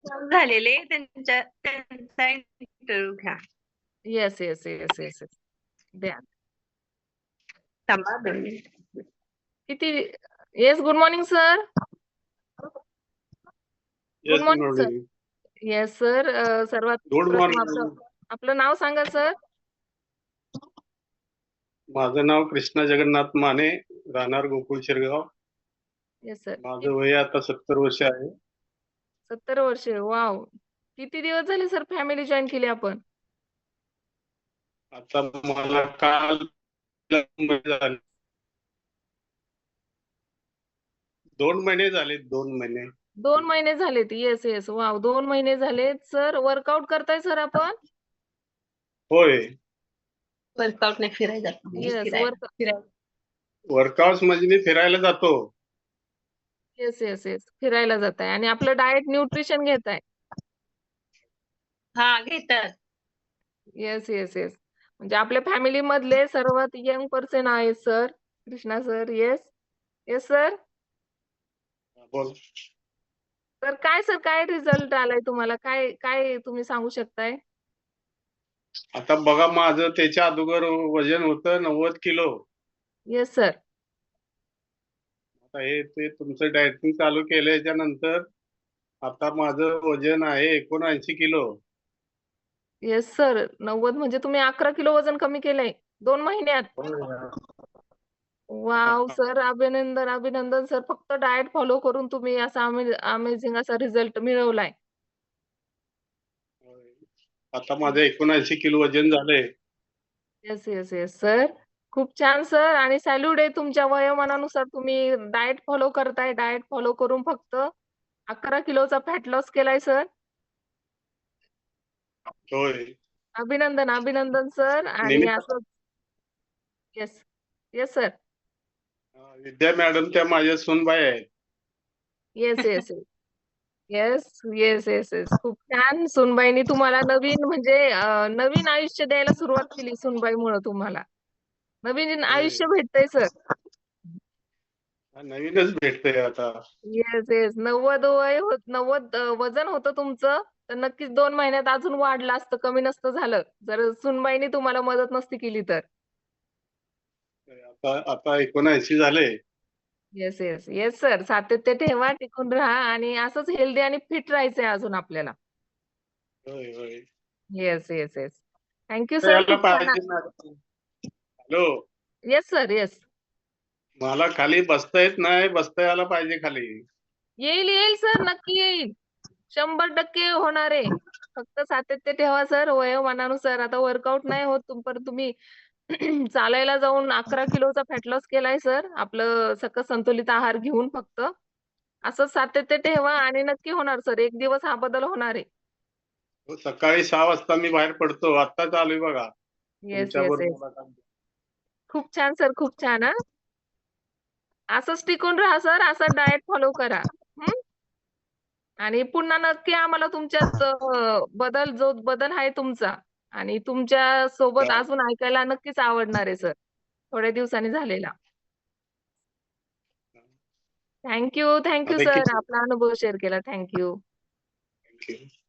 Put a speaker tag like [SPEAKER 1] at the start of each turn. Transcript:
[SPEAKER 1] झालेले त्यांचा इंटरव्ह्यू घ्या.
[SPEAKER 2] Yes yes yes yes yes द्या.
[SPEAKER 1] थांबा 2 मिनिट.
[SPEAKER 2] किती? Yes, good morning sir. Good
[SPEAKER 3] yes
[SPEAKER 2] morning sir.
[SPEAKER 3] Morning.
[SPEAKER 2] Yes sir. सर्वात
[SPEAKER 3] गुड
[SPEAKER 2] प्रथम
[SPEAKER 3] मॉर्निंग.
[SPEAKER 2] आपलं नाव सांगा सर.
[SPEAKER 3] माझं नाव कृष्णा जगन्नाथ माने, राहणार गोकुळ शिरगाव.
[SPEAKER 2] Yes sir.
[SPEAKER 3] माझं वय आता 70 वर्ष आहे.
[SPEAKER 2] 70 वर्षे. वाव. किती दिवस झाले सर फॅमिली जॉईन केली आपण?
[SPEAKER 3] आता मला काल 2 महिने झाले. 2 महिने.
[SPEAKER 2] 2 महिने झालेत. Yes yes. वाव, 2 महिने झालेत सर. वर्कआउट करताय सर आपण?
[SPEAKER 3] होय.
[SPEAKER 1] वर्कआउट नाही, फिरायला जातो.
[SPEAKER 2] येस.
[SPEAKER 1] फिरायला.
[SPEAKER 3] वर्कआउट म्हणजे मी फिरायला जातो.
[SPEAKER 2] Yes yes yes. फिरायला जाताय आणि आपलं डाएट न्यूट्रिशन घेताय.
[SPEAKER 1] हा, घेतात.
[SPEAKER 2] Yes yes yes. म्हणजे आपल्या फॅमिली मधले सर्वात यंग पर्सन आहे sir Krishna sir. Yes yes sir.
[SPEAKER 3] बोल.
[SPEAKER 2] तर काय सर, काय रिझल्ट आलाय तुम्हाला? काय काय तुम्ही सांगू शकताय?
[SPEAKER 3] आता बघा, माझं त्याच्या अगोदर वजन होतं 90 किलो.
[SPEAKER 2] Yes sir.
[SPEAKER 3] आता हे ते तुमचं डायटिंग चालू केल्याच्या नंतर आता माझं वजन आहे 79 किलो.
[SPEAKER 2] Yes sir. 90 म्हणजे तुम्ही 11 किलो वजन कमी केलंय 2 महिन्यात. वाव सर, अभिनंदन अभिनंदन सर. फक्त डाएट फॉलो करून तुम्ही असा अमेझिंग असा रिझल्ट मिळवलाय.
[SPEAKER 3] आता माझं 79 किलो वजन झालंय.
[SPEAKER 2] Yes yes yes sir. खूप छान सर आणि सॅल्यूट आहे तुमच्या वयोमानानुसार तुम्ही डाएट फॉलो करताय. डाएट फॉलो करून फक्त 11 किलोचा फॅट लॉस केलाय सर.
[SPEAKER 3] होय.
[SPEAKER 2] अभिनंदन अभिनंदन सर. आणि
[SPEAKER 3] नेहमी
[SPEAKER 2] असं yes yes sir.
[SPEAKER 3] Vidya madam त्या माझ्या सूनबाई आहेत.
[SPEAKER 2] Yes yes yes. Yes yes yes yes. खूप छान. सुनबाईंनी तुम्हाला नवीन म्हणजे नवीन आयुष्य द्यायला सुरुवात केली सुनबाईमुळे तुम्हाला. नवीन आयुष्य भेटतंय सर.
[SPEAKER 3] नवीनच भेटतंय आता.
[SPEAKER 2] Yes yes. 90 वय 90 वजन होतं तुमचं, तर नक्कीच 2 महिन्यात अजून वाढलं असतं, कमी नसतं झालं. जर सुनबाईंनी तुम्हाला मदत नसती केली तर.
[SPEAKER 3] आता आता 79 झाले.
[SPEAKER 2] Yes yes. Yes sir. सातत्य ठेवा, टिकून राहा आणि असंच हेल्दी आणि फिट राहायचंय अजून आपल्याला.
[SPEAKER 3] होय होय.
[SPEAKER 2] Yes yes yes. Thank you
[SPEAKER 3] तर
[SPEAKER 2] सर.
[SPEAKER 3] याला
[SPEAKER 2] खूप छान.
[SPEAKER 3] पाहिजे madam. Hello.
[SPEAKER 2] Yes sir. Yes.
[SPEAKER 3] मला खाली बसता येत नाही, बसता यायला पाहिजे खाली.
[SPEAKER 2] येईल येईल सर, नक्की येईल. 100% होणार आहे. फक्त सातत्य ठेवा सर. वयोमानानुसार आता वर्कआउट नाही होत पण तुम्ही चालायला जाऊन 11 किलोचा फॅट लॉस केलाय सर. आपलं सकस संतुलित आहार घेऊन फक्त. असंच सातत्य ठेवा आणि नक्की होणार सर. एक दिवस हा बदल होणार आहे.
[SPEAKER 3] सकाळी 6 वाजता मी बाहेर पडतो. आत्ता चालू आहे बघा
[SPEAKER 2] येस,
[SPEAKER 3] तुमच्या
[SPEAKER 2] येस, येस.
[SPEAKER 3] बरोबर.
[SPEAKER 2] खूप छान सर, खूप छान हां. असंच टिकून राहा सर. असं डाएट फॉलो करा. हं. आणि पुन्हा नक्की आम्हाला तुमच्यात जो बदल आहे तुमचा आणि तुमच्या सोबत अजून ऐकायला नक्कीच आवडणार आहे सर. थोड्या दिवसांनी झालेला. थँक यू
[SPEAKER 3] आता
[SPEAKER 2] सर.
[SPEAKER 3] किती?
[SPEAKER 2] आपला अनुभव शेअर केला. Thank you.
[SPEAKER 3] Thank you.